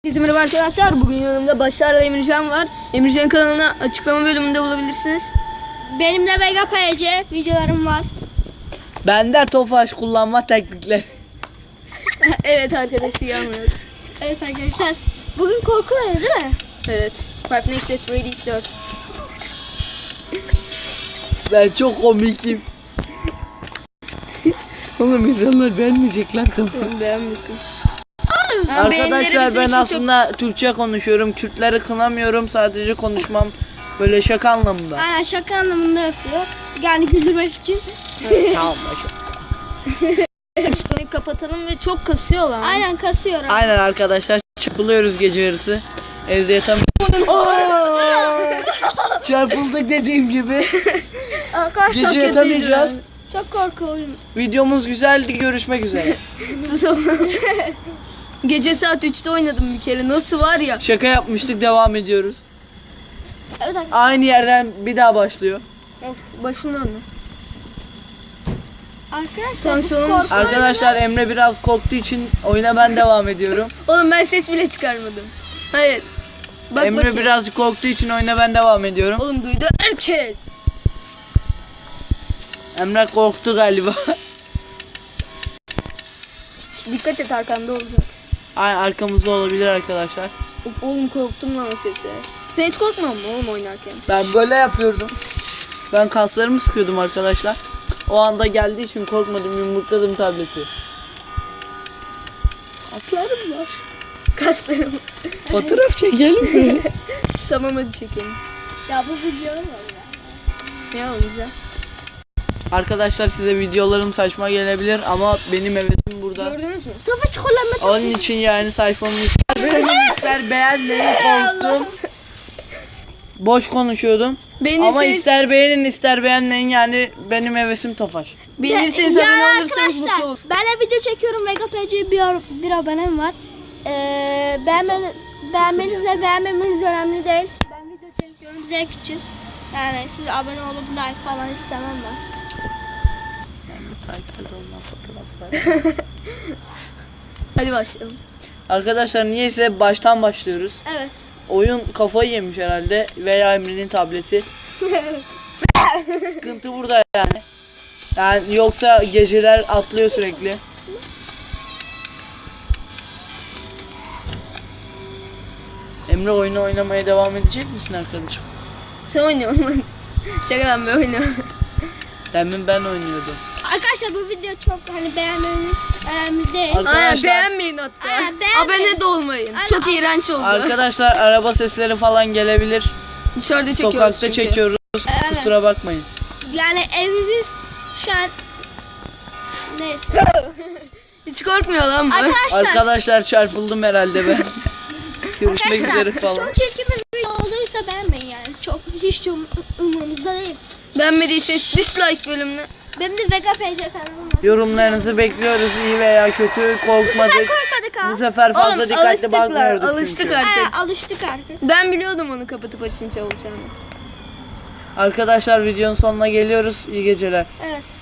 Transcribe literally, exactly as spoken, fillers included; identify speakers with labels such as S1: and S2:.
S1: Merhaba arkadaşlar, bugün yanımda Başar'la Emircan var. Emircan kanalına açıklama bölümünde bulabilirsiniz.
S2: Benim de Vega P C videolarım var.
S3: Bende Tofaş kullanma teknikleri.
S1: Evet arkadaşlar, iyi anlıyoruz.
S2: Evet arkadaşlar, bugün korku oyunu değil mi?
S1: Evet, Five Nights at Freddy's dört.
S3: Ben çok komikim. Oğlum insanlar beğenmeyecekler kafamı.
S1: Beğenmişsin.
S3: Arkadaşlar ben aslında çok... Türkçe konuşuyorum. Kürtleri kınamıyorum. Sadece konuşmam böyle şaka anlamında.
S2: Aynen, şaka anlamında yapıyor. Yani güldürmek için.
S3: Evet, tamam başım.
S1: Konuyu kapatalım ve çok kasıyor lan.
S2: Aynen, kasıyor. Abi.
S3: Aynen arkadaşlar, çırpılıyoruz gece yarısı. Evde yatamıyoruz. Çarpıldık dediğim gibi.
S2: Arkadaşlar
S3: Gece yatamayacağız.
S2: çok korku oyunu.
S3: Videomuz güzeldi. Görüşmek üzere.
S1: Sus oğlum. Gece saat üçte oynadım bir kere. Nasıl var ya?
S3: Şaka yapmıştık, devam ediyoruz.
S2: Evet arkadaşlar.
S3: Aynı yerden bir daha başlıyor.
S1: Of, başından mı?
S2: Arkadaşlar,
S1: Tansiyonum
S2: korku
S3: Arkadaşlar Emre biraz korktuğu için oyuna ben devam ediyorum.
S1: Oğlum ben ses bile çıkarmadım. Hayır. Bak
S3: Emre
S1: bakayım.
S3: birazcık korktuğu için oyuna ben devam ediyorum.
S1: Oğlum duydu herkes.
S3: Emre korktu galiba.
S1: Şş, dikkat et, arkanda olacak.
S3: Ay, arkamızda olabilir arkadaşlar.
S1: Of oğlum, korktum lan sesi. Sen hiç korkmuyor musun oğlum oynarken?
S3: Ben böyle yapıyordum. Ben kaslarımı sıkıyordum arkadaşlar. O anda geldiği için korkmadım, yumrukladım tableti.
S1: Kaslarım var. Kaslarım.
S3: Fotoğraf çekelim mi?
S1: Tamam hadi çekelim.
S2: Ya bu videolar var ya.
S1: Ne olacak?
S3: Arkadaşlar size videolarım saçma gelebilir ama benim hevesim burada.
S1: Gördünüz mü?
S2: Tofaş kullanma.
S3: Onun için yani sayfamı ister ister beğenmeyin, korktum. Boş konuşuyordum.
S1: Beğenirseniz,
S3: Ama ister beğenin ister beğenmeyin, yani benim hevesim Tofaş.
S1: beğenirseniz
S2: Yani
S1: abone olursanız mutlu
S2: arkadaşlar,
S1: olursunuz.
S2: ben de video çekiyorum. Vega P C bir, bir abonem var. Ee, beğenmen, beğenmenizle beğenmemeniz önemli değil. Ben video çekiyorum zevk için. Yani siz abone olup like falan istemem ben.
S1: Hadi başlayalım.
S3: Arkadaşlar niyeyse baştan başlıyoruz.
S2: Evet.
S3: Oyun kafayı yemiş herhalde veya Emre'nin tableti. Sıkıntı burada yani. Yani yoksa geceler atlıyor sürekli. Emre oyunu oynamaya devam edecek misin arkadaşım?
S1: Sen oynuyorsun lan. Şakadan ben oynuyorum.
S3: Demin ben oynuyordum.
S2: Arkadaşlar bu video çok hani beğenmeniz önemli değil.
S3: Ar-
S1: Aynen,
S3: Arkadaşlar-
S1: beğenmeyin hatta.
S2: Aynen, beğenmeyin.
S1: Abone de olmayın.
S2: Aynen.
S1: Çok iğrenç oldu.
S3: Arkadaşlar araba sesleri falan gelebilir.
S1: Dışarıda çekiyoruz
S3: Sokakta
S1: çünkü.
S3: çekiyoruz.
S2: Aynen.
S3: Kusura bakmayın.
S2: Yani evimiz şu an neyse.
S1: Hiç korkmuyor lan bu.
S2: Arkadaşlar,
S3: Arkadaşlar çarpıldım herhalde ben. Görüşmek üzere
S2: arkadaşlar
S3: falan.
S2: çok çirkin bir video olduysa beğenmeyin yani. Çok hiç um, umurumuzda değil.
S1: Beğenmediyseniz dislike bölümüne.
S2: Benim de Vega P C kanalım var.
S3: Yorumlarınızı bekliyoruz, iyi veya kötü,
S2: Bu
S3: korkmadık.
S2: sefer korkmadık ha.
S3: Bu sefer fazla
S1: Oğlum,
S3: dikkatli
S1: alıştık lan,
S3: bakmıyorduk
S1: alıştık
S3: çünkü.
S1: artık.
S2: Ee, alıştık artık.
S1: Ben biliyordum onu kapatıp açınca olacağını.
S3: Arkadaşlar videonun sonuna geliyoruz. İyi geceler.
S2: Evet.